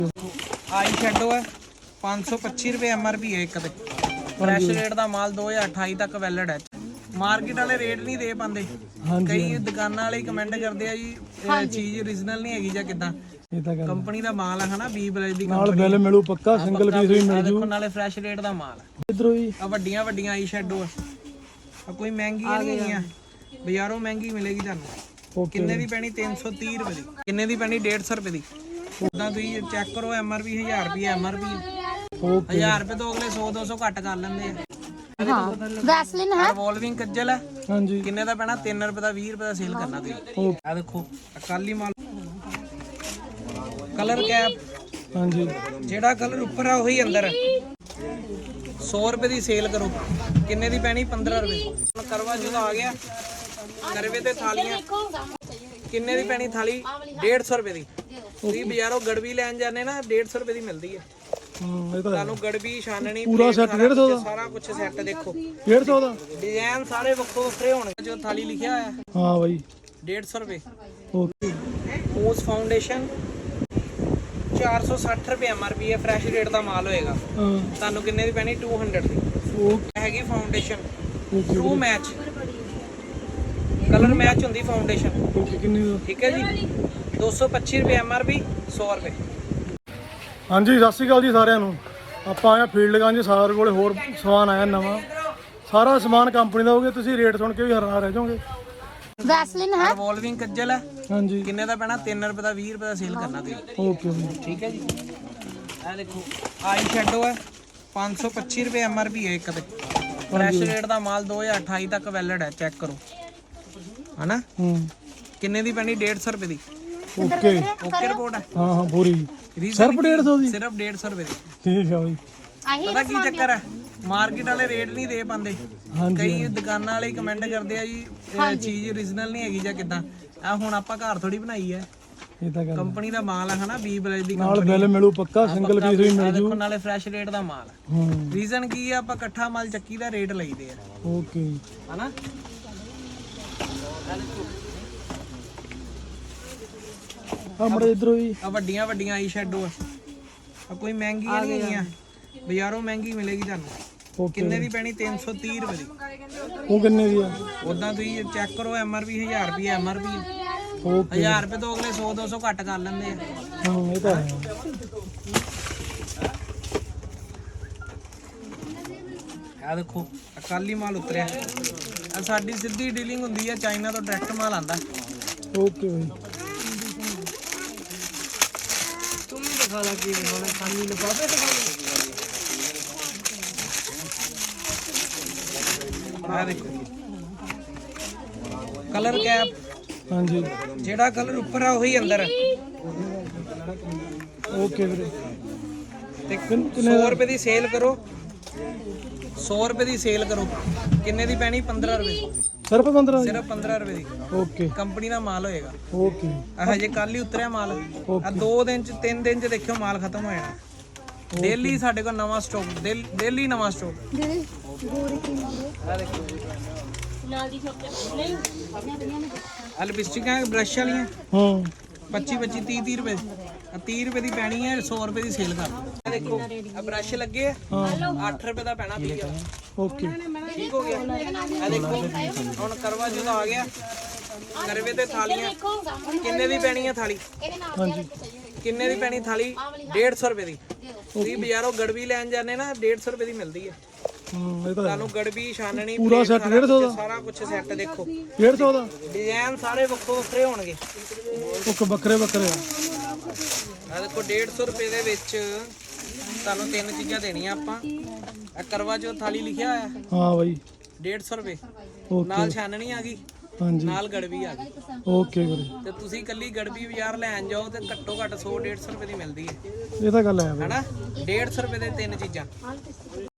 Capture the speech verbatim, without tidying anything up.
Eye shadow है पाँच सौ पच्ची रुपए एम आर पी है एक ते फ्रैश रेट का माल दो हज़ार अठाई तक वैलिड है। मार्केट वाले रेट नहीं दे पाते, कई दुकाना वाले कमेंट करते हैं जी चीज ओरिजिनल नहीं हैगी ਜਾਂ ਕਿਦਾਂ। कंपनी का माल है ना बी ब्रांड दी ਨਾਲ ਬਿੱਲ ਮਿਲੂ ਪੱਕਾ ਸਿੰਗਲ ਪੀਸ ਵੀ ਮਿਲ ਜੂ। देखो नाले फ्रैश रेट का माल है। ਇਧਰੋਂ ਹੀ आ ਵੱਡੀਆਂ ਵੱਡੀਆਂ आई शेडो है, कोई महंगी नहीं है, बाजारों महंगी मिलेगी ਤੁਹਾਨੂੰ। ਕਿੰਨੇ ਦੀ ਪੈਣੀ तीन सौ तीस रुपए ਦੀ, ਕਿੰਨੇ ਦੀ ਪੈਣੀ डेढ़ सौ रुपए ਦੀ। ਉਦਾਂ ਤੁਸੀਂ ਚੈੱਕ ਕਰੋ एम आर पी हज़ार रुपए एम आर पी हज़ार रुपए तो अगले सौ दो सौ घट कर लेंगे। हाँ वैसलिन है, रिवॉल्विंग कज्जल है। हाँ जी किन्ने दा पैना तीन रुपए दा बीस रुपए दा सेल करना तुसीं। आ देखो अकाली माल कलर कैप। हाँ जी जेड़ा कलर ऊपर है वही अंदर है। सौ रुपए दी सेल करो, किन्ने दी पैनी पंद्रह रुपए। करवा चौथ आ गया, करवे ते थालियां किन्ने दी पैनी थाली डेढ़ सौ रुपए दी। तुसीं बाजारों गड़वी लैन जाने ना डेढ़ सौ रुपए दी मिलदी है। ਤੁਹਾਨੂੰ ਗੜਵੀ ਛਾਨਣੀ ਪੂਰਾ ਸੈੱਟ डेढ़ सौ ਦਾ ਸਾਰਾ ਕੁਝ ਸੈੱਟ ਦੇਖੋ डेढ़ सौ ਦਾ ਡਿਜ਼ਾਈਨ ਸਾਰੇ ਵੱਖੋ ਵੱਖਰੇ ਹੋਣਗੇ। ਜੋ ਥਾਲੀ ਲਿਖਿਆ ਹੋਇਆ ਹਾਂ ਬਾਈ डेढ़ सौ रुपए। ਓਕੇ ਪੋਸ ਫਾਊਂਡੇਸ਼ਨ चार सौ साठ रुपए एम आर पी है, फ्रैश रेट का माल होएगा। ਹਾਂ ਤੁਹਾਨੂੰ ਕਿੰਨੇ ਦੀ ਪੈਣੀ दो सौ ਦੀ। ਓਕੇ ਹੈਗੀ foundation okay true match, colour match ਹੁੰਦੀ ਫਾਊਂਡੇਸ਼ਨ। ਓਕੇ ਕਿੰਨੀ ਦਾ ਠੀਕ ਹੈ ਜੀ दो सौ पच्चीस रुपए एम आर पी सौ रुपए। ਹਾਂਜੀ ਸਤਿ ਸ਼੍ਰੀ ਅਕਾਲ ਜੀ ਸਾਰਿਆਂ ਨੂੰ। ਆਪਾਂ ਆਇਆ ਫੀਲਡ ਗੰਜ, ਸਾਡੇ ਕੋਲੇ ਹੋਰ ਸਮਾਨ ਆਇਆ ਨਵਾਂ। ਸਾਰਾ ਸਮਾਨ ਕੰਪਨੀ ਦਾ ਹੋਊਗਾ, ਤੁਸੀਂ ਰੇਟ ਸੁਣ ਕੇ ਵੀ ਹੈਰਾਨ ਰਹਿ ਜਾਓਗੇ। वैसलिन है, ਰਿਵੋਲਵਿੰਗ ਕੱਜਲ ਹੈ। ਹਾਂਜੀ ਕਿੰਨੇ ਦਾ ਪੈਣਾ तीन रुपए ਦਾ बीस रुपए ਦਾ ਸੇਲ ਕਰਨਾ ਤੁਸੀਂ। ਓਕੇ ਬਾਈ ठीक है जी। ਇਹ ਦੇਖੋ आई शेडो है पाँच सौ पच्चीस रुपए एम आर पी है एक ते फ्रैश रेट का माल दो हज़ार अठाई तक वैलिड है। चेक करो है ना। ਹੂੰ किन्ने दी पैनी डेढ़ सौ रुपए दी। ਓਕੇ ओके रिपोर्ट है। ਹਾਂ ਹਾਂ ਪੂਰੀ Reason ਸਿਰਫ की- डेढ़ सौ ਦੀ सिर्फ डेढ़ सौ रुपए दी। ਠੀਕ ਆ ਬਾਈ। पता की चक्कर है, मार्केट वाले रेट नहीं दे पाते, कई दुकाना वाले कमेंट करते हैं जी चीज ओरिजिनल नहीं हैगी ਜਾਂ ਕਿਦਾਂ। ਆ ਹੁਣ ਆਪਾਂ ਘਰ ਥੋੜੀ ਬਣਾਈ ਹੈ, ਇਹ ਤਾਂ ਗੱਲ ਕੰਪਨੀ ਦਾ ਮਾਲ ਹੈ ਨਾ ਬੀ ਬ੍ਰਾਂਡ ਦੀ। ਨਾਲ ਬਿੱਲ ਮਿਲੂ ਪੱਕਾ ਸਿੰਗਲ ਪੀਸ ਵੀ ਮਿਲ ਜੂ। ਦੇਖੋ ਨਾਲੇ ਫਰੈਸ਼ ਰੇਟ ਦਾ ਮਾਲ ਹੈ। ਹੂੰ ਰੀਜ਼ਨ ਕੀ ਹੈ, ਆਪਾਂ ਇਕੱਠਾ ਮਾਲ ਚੱਕੀ ਦਾ ਰੇਟ ਲਈਦੇ ਆ ਓਕੇ ਹਨਾ। ਆਪਣੇ ਇਧਰੋਂ ਹੀ ਆ ਵੱਡੀਆਂ ਵੱਡੀਆਂ ਆਈ ਸ਼ੈਡੋ ਆ, ਆ ਕੋਈ ਮਹਿੰਗੀ ਨਹੀਂ ਹੈ, ਬਾਜ਼ਾਰੋਂ ਮਹਿੰਗੀ ਮਿਲੇਗੀ ਤੁਹਾਨੂੰ। ਓਕੇ ਕਿੰਨੇ ਦੀ ਪੈਣੀ तीन सौ तीस रुपए ਦੀ। ਉਹ ਕਿੰਨੇ ਦੀ ਆ ਉਦਾਂ ਤੁਸੀਂ ਚੈੱਕ ਕਰੋ एम आर पी हज़ार रुपए एम आर पी ਓਕੇ हज़ार रुपए ਤੋਂ ਅਗਲੇ सौ दो सौ ਘੱਟ ਕਰ ਲੈਂਦੇ ਆ। ਹਾਂ ਇਹ ਤਾਂ ਹੈ। ਆ ਦੇਖੋ ਅਕਾਲੀ ਮਾਲ ਉਤਰਿਆ। ਆ ਸਾਡੀ ਸਿੱਧੀ ਡੀਲਿੰਗ ਹੁੰਦੀ ਹੈ, ਚਾਈਨਾ ਤੋਂ ਡਾਇਰੈਕਟ ਮਾਲ ਆਂਦਾ। ਓਕੇ ਬਾਈ तुम ही दिखा ला कि उन्होंने खानी लिफाफे दिखा लो। ਆ ਦੇਖੋ ਕਲਰ ਕੈਪ। ਹਾਂਜੀ ਜਿਹੜਾ ਕਲਰ ਉੱਪਰ ਆ ਉਹੀ ਅੰਦਰ ਹੈ। ਓਕੇ ਵੀਰੇ ਤੇ सौ रुपए ਦੀ ਸੇਲ ਕਰੋ, सौ रुपए ਦੀ ਸੇਲ ਕਰੋ। ਕਿੰਨੇ ਦੀ ਪੈਣੀ पंद्रह रुपए। ਸਿਰਫ ਪੰਦਰਾਂ ਦੀ ਸਿਰਫ पंद्रह रुपए ਦੀ। ਓਕੇ ਕੰਪਨੀ ਦਾ ਮਾਲ ਹੋਏਗਾ। ਓਕੇ ਆ ਹਜੇ ਕੱਲ ਹੀ ਉਤਰਿਆ ਮਾਲ। ਆ ਦੋ ਦਿਨ ਚ ਤਿੰਨ ਦਿਨ ਚ ਦੇਖਿਓ ਮਾਲ ਖਤਮ ਹੋ ਜਾਣਾ। ਡੇਲੀ ਸਾਡੇ ਕੋਲ ਨਵਾਂ ਸਟਾਕ, ਡੇਲੀ ਨਵਾਂ ਸਟਾਕ। ਆ ਦੇਖੋ ਆ ਲਿਪਸਟਿਕਾਂ ਬ੍ਰਸ਼ ਵਾਲੀਆਂ ਹਾਂ पच्चीस पच्चीस तीस तीस रुपए आ तीस रुपए की पैनी है, सौ रुपए की सेल कर। आ देखो आ ब्रश लगे आठ रुपए का पैना पी गया। ਓਕੇ ठीक हो गया। आ देखो हुण करवा चौथ आ गया, करवे ते थालियां किन्ने दी पैनी है थाली। ਹਾਂਜੀ किन्ने दी पैनी थाली डेढ़ सौ रुपए दी। तुसीं बाजारों गड़वी लैन जाने ना डेढ़ सौ रुपए दी मिलदी है। ਹੂੰ ਇਹ ਤਾਂ ਹੈ। ਤੁਹਾਨੂੰ ਗੜਵੀ ਛਾਨਣੀ ਪੂਰਾ ਸੈੱਟ डेढ़ सौ ਦਾ ਸਾਰਾ ਕੁਝ ਸੈੱਟ ਦੇਖੋ। डेढ़ सौ ਦਾ ਡਿਜ਼ਾਈਨ ਸਾਰੇ ਵੱਖੋ ਵੱਖਰੇ ਹੋਣਗੇ। ਓਕੇ ਵੱਖਰੇ ਵੱਖਰੇ ਆ ਆ ਦੇਖੋ डेढ़ सौ रुपए ਦੇ ਵਿੱਚ ਤੁਹਾਨੂੰ ਤਿੰਨ ਚੀਜ਼ਾਂ ਦੇਣੀਆਂ ਆਪਾਂ। ਆ ਕਰਵਾ ਚੌਥ ਥਾਲੀ ਲਿਖਿਆ ਹੋਇਆ ਹਾਂ ਬਾਈ डेढ़ सौ रुपए। ਓਕੇ ਨਾਲ ਛਾਨਣੀ ਆ ਗਈ, ਹਾਂਜੀ ਨਾਲ ਗੜਵੀ ਆ ਗਈ। ਓਕੇ ਵੀਰੇ ਤੇ ਤੁਸੀਂ ਕੱਲੀ ਗੜਵੀ ਬਾਜ਼ਾਰ ਲੈਣ ਜਾਓ ਤੇ ਘੱਟੋ ਘੱਟ सौ डेढ़ सौ रुपए ਦੀ ਮਿਲਦੀ ਹੈ ਇਹ ਤਾਂ ਗੱਲ ਹੈ ਬਾਈ। ਹਨਾ। डेढ़ सौ रुपए ਦੇ ਤਿੰਨ ਚੀਜ਼ਾਂ।